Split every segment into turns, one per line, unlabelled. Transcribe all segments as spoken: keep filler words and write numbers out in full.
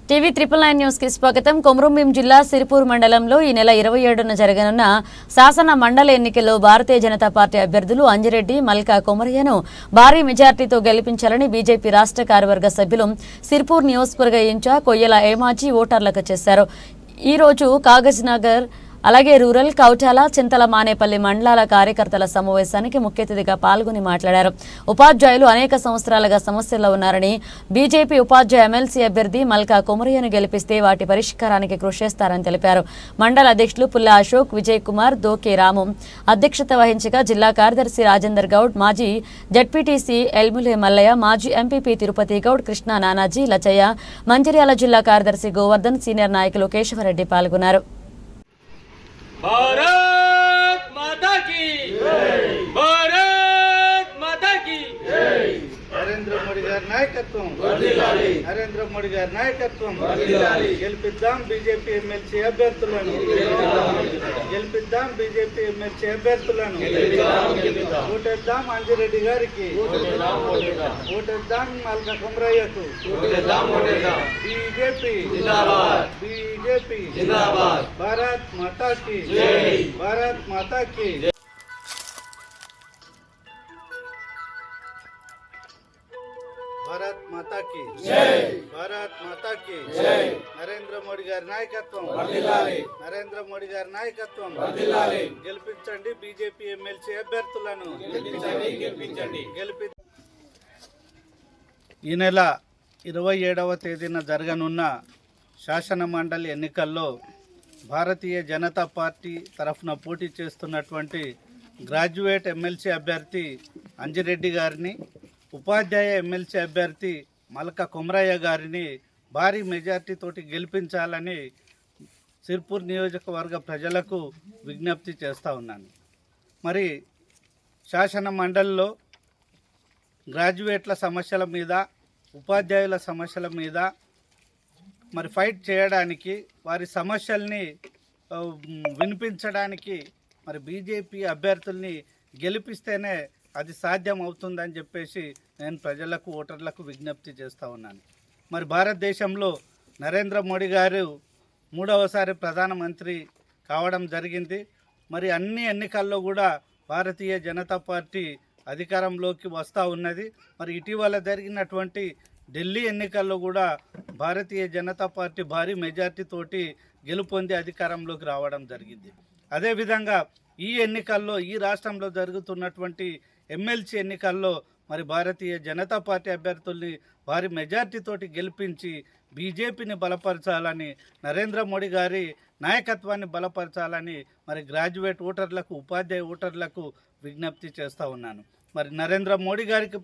TV triple nine news కి స్వాగతం. కొమరంభీం జిల్లా సిరిపూర్ మండలంలో ఈ నెల ఇరవై ఏడున జరగనున్న శాసన మండలి ఎన్నికల్లో భారతీయ జనతా పార్టీ అభ్యర్థులు అంజిరెడ్డి, మల్కా కొమరయ్యను భారీ మెజార్టీతో గెలిపించాలని బీజేపీ రాష్ట్ర కార్యవర్గ సభ్యులు సిరిపూర్ నియోజకవర్గ ఇన్ఛార్జ్ కొయ్యల ఏమాజీ ఓటర్లకు చేశారు. ఈ రోజు కాగజ్నగర్ అలాగే రూరల్, కౌటాల, చింతల మానేపల్లి మండలాల కార్యకర్తల సమావేశానికి ముఖ్య అతిథిగా పాల్గొని మాట్లాడారు. ఉపాధ్యాయులు అనేక సంవత్సరాలుగా సమస్యల్లో ఉన్నారని, బీజేపీ ఉపాధ్యాయ ఎమ్మెల్సీ అభ్యర్థి మల్కా కొమరయ్యను గెలిపిస్తే వాటి పరిష్కారానికి కృషి చేస్తారని తెలిపారు. మండల అధ్యక్షులు పుల్ల అశోక్, విజయ్ కుమార్, దోకే రాము అధ్యక్షత వహించగా జిల్లా కార్యదర్శి రాజేందర్ గౌడ్, మాజీ జడ్పీటీసీ ఎల్ములే మల్లయ్య, మాజీ ఎంపీపీ తిరుపతి గౌడ్, కృష్ణా నానాజీ, లచయ్య, మంచిర్యాల జిల్లా కార్యదర్శి గోవర్ధన్, సీనియర్ నాయకులు కేశవరెడ్డి పాల్గొన్నారు.
भारत माता की जय, भारत माता की जय।
నరేంద్ర మోడీ గారి నాయకత్వం, నరేంద్ర మోడీ గారి నాయకత్వం గెలిపిద్దాం. బీజేపీ ఎమ్మెల్సీ అభ్యర్థులను గెలిపిద్దాం. బీజేపీ ఎమ్మెల్సీ అభ్యర్థులను ఓటేద్దాం. అంజిరెడ్డి గారికి ఓటేద్దాం. మల్కా కొమరయ్యకు బీజేపీ బీజేపీ భారత్ మాతా की భారత్ మాతా की భారత్ మాతా की జై, భారత్ మాతా की జై. నరేంద్ర మోడీ గారి నాయకత్వం వర్ధిల్లాలి, నరేంద్ర మోడీ గారి నాయకత్వం వర్ధిల్లాలి. గెలిపించండి బీజేపీ ఎమ్మెల్సీ అభ్యర్థులను గెలిపించండి గెలిపించండి గెలిపి ఈ నెల ఇరవై ఏడవ తేదీన జరగనున్న శాసన మండలి ఎన్నికల్లో భారతీయ జనతా పార్టీ తరఫున పోటీ చేస్తున్నటువంటి గ్రాడ్యుయేట్ ఎమ్మెల్సీ అభ్యర్థి అంజిరెడ్డి గారిని, ఉపాధ్యాయ ఎమ్మెల్సీ అభ్యర్థి మల్కా కొమరయ్య గారిని భారీ మెజార్టీతోటి గెలిపించాలని సిర్పూర్ నియోజకవర్గ ప్రజలకు విజ్ఞప్తి చేస్తూ ఉన్నాను. మరి శాసన మండలిలో గ్రాడ్యుయేట్ల సమస్యల మీద, ఉపాధ్యాయుల సమస్యల మీద మరి ఫైట్ చేయడానికి, వారి సమస్యల్ని వినిపించడానికి మరి బీజేపీ అభ్యర్థుల్ని గెలిపిస్తేనే అది సాధ్యం అవుతుందని చెప్పేసి నేను ప్రజలకు, ఓటర్లకు విజ్ఞప్తి చేస్తూ ఉన్నాను. మరి భారతదేశంలో నరేంద్ర మోడీ గారు మూడవసారి ప్రధానమంత్రి కావడం జరిగింది. మరి అన్ని ఎన్నికల్లో కూడా భారతీయ జనతా పార్టీ అధికారంలోకి వస్తూ ఉన్నది. మరి ఇటీవల జరిగినటువంటి ఢిల్లీ ఎన్నికల్లో కూడా భారతీయ జనతా పార్టీ భారీ మెజార్టీతోటి గెలుపొంది అధికారంలోకి రావడం జరిగింది. అదేవిధంగా ఈ ఎన్నికల్లో, ఈ రాష్ట్రంలో జరుగుతున్నటువంటి ఎమ్మెల్సీ ఎన్నికల్లో మరి భారతీయ జనతా పార్టీ అభ్యర్థుల్ని భారీ మెజార్టీతోటి గెలిపించి బీజేపీని బలపరచాలని, నరేంద్ర మోడీ గారి నాయకత్వాన్ని బలపరచాలని మరి గ్రాడ్యుయేట్ ఓటర్లకు, ఉపాధ్యాయ ఓటర్లకు విజ్ఞప్తి చేస్తూ ఉన్నాను. మరి నరేంద్ర మోడీ గారికి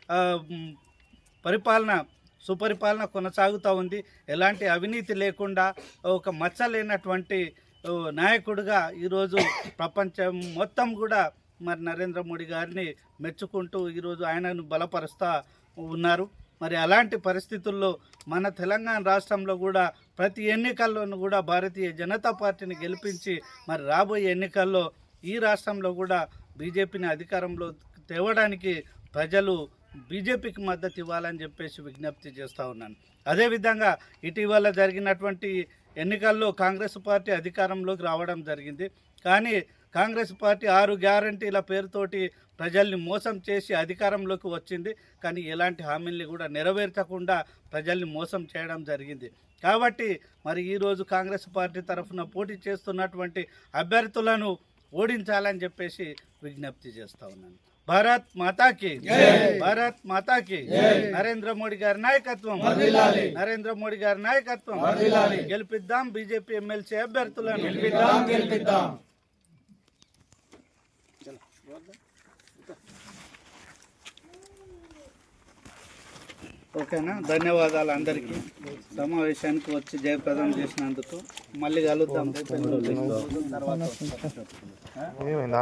పరిపాలన, సుపరిపాలన కొనసాగుతూ ఉంది. ఎలాంటి అవినీతి లేకుండా ఒక మచ్చ లేనటువంటి నాయకుడిగా ఈరోజు ప్రపంచం మొత్తం కూడా మరి నరేంద్ర మోడీ గారిని మెచ్చుకుంటూ ఈరోజు ఆయనను బలపరుస్తూ ఉన్నారు. మరి అలాంటి పరిస్థితుల్లో మన తెలంగాణ రాష్ట్రంలో కూడా ప్రతి ఎన్నికల్లోనూ కూడా భారతీయ జనతా పార్టీని గెలిపించి మరి రాబోయే ఎన్నికల్లో ఈ రాష్ట్రంలో కూడా బీజేపీని అధికారంలో తేవడానికి ప్రజలు బీజేపీకి మద్దతు ఇవ్వాలని చెప్పేసి విజ్ఞప్తి చేస్తూ ఉన్నాను. అదేవిధంగా ఇటీవల జరిగినటువంటి ఎన్నికల్లో కాంగ్రెస్ పార్టీ అధికారంలోకి రావడం జరిగింది. కానీ కాంగ్రెస్ పార్టీ ఆరు గ్యారంటీల పేరుతోటి ప్రజల్ని మోసం చేసి అధికారంలోకి వచ్చింది. కానీ ఎలాంటి హామీల్ని కూడా నెరవేర్చకుండా ప్రజల్ని మోసం చేయడం జరిగింది. కాబట్టి మరి ఈరోజు కాంగ్రెస్ పార్టీ తరఫున పోటీ చేస్తున్నటువంటి అభ్యర్థులను ఓడించాలని చెప్పేసి విజ్ఞప్తి చేస్తూ ఉన్నాను. భారత్ మాతాకి భారత్ మాతాకి నరేంద్ర మోడీ గారి నాయకత్వం, నరేంద్ర మోడీ గారి నాయకత్వం గెలిపిద్దాం. బీజేపీ ఎమ్మెల్సీ అభ్యర్థులను గెలిపిద్దాం గెలిపిద్దాం ఓకేనా. ధన్యవాదాలు అందరికీ. సమావేశానికి వచ్చి జయప్రదం చేసినందుకు. మళ్ళీ కలుద్దాం.